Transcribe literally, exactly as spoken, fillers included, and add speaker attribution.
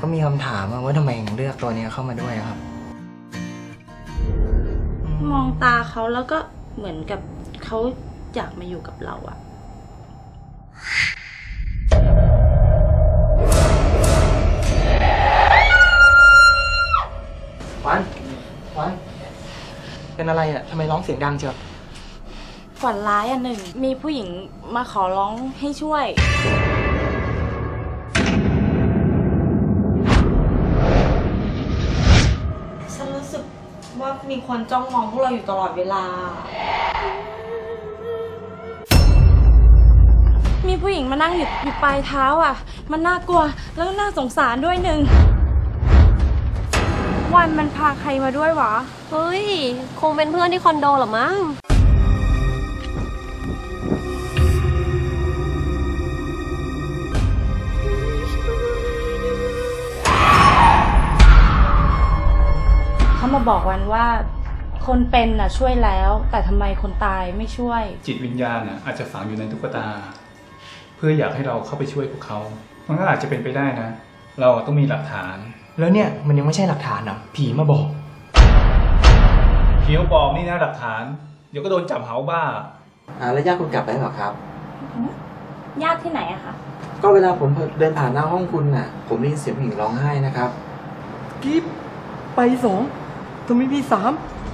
Speaker 1: ก็มีคำถามว่าทำไมถึงเลือกตัวนี้เข้ามาด้วยครับ
Speaker 2: มองตาเขาแล้วก็เหมือนกับเขาอยากมาอยู่กับเราอะ
Speaker 1: วันวันเป็นอะไรอ่ะทำไมร้องเสียงดังเชียว
Speaker 2: ฝันร้ายอันหนึ่งมีผู้หญิงมาขอร้องให้ช่วยฉันรู้สึกว่ามีคนจ้องมองพวกเราอยู่ตลอดเวลามีผู้หญิงมานั่งอยู่อยู่ปลายเท้าอ่ะมันน่ากลัวแล้วก็น่าสงสารด้วยหนึ่งวันมันพาใครมาด้วยวะ
Speaker 3: เฮ้ยคงเป็นเพื่อนที่คอนโดหรอมั้ง
Speaker 2: เขามาบอกวันว่าคนเป็นน่ะช่วยแล้วแต่ทำไมคนตายไม่ช่วย
Speaker 4: จิตวิญญาณน่ะอาจจะฝังอยู่ในตุ๊กตาเพื่ออยากให้เราเข้าไปช่วยพวกเขามันก็อาจจะเป็นไปได้นะเราต้องมีหลักฐาน
Speaker 1: แล้วเนี่ยมันยังไม่ใช่หลักฐานอ่ะผีมาบอก
Speaker 4: ผีมาบอกนี่นะหลักฐานเดี๋ยวก็โดนจับเหาบ้า
Speaker 1: อ่าแล้วญาติคุณกลับได้หรอครับ
Speaker 2: ญาติที่ไหนอะคะ
Speaker 1: ก็เวลาผมเดินผ่านหน้าห้องคุณน่ะผมได้ยินเสียงผู้หญิงร้องไห้นะครับกิ๊บไปสองทำไมพี่สาม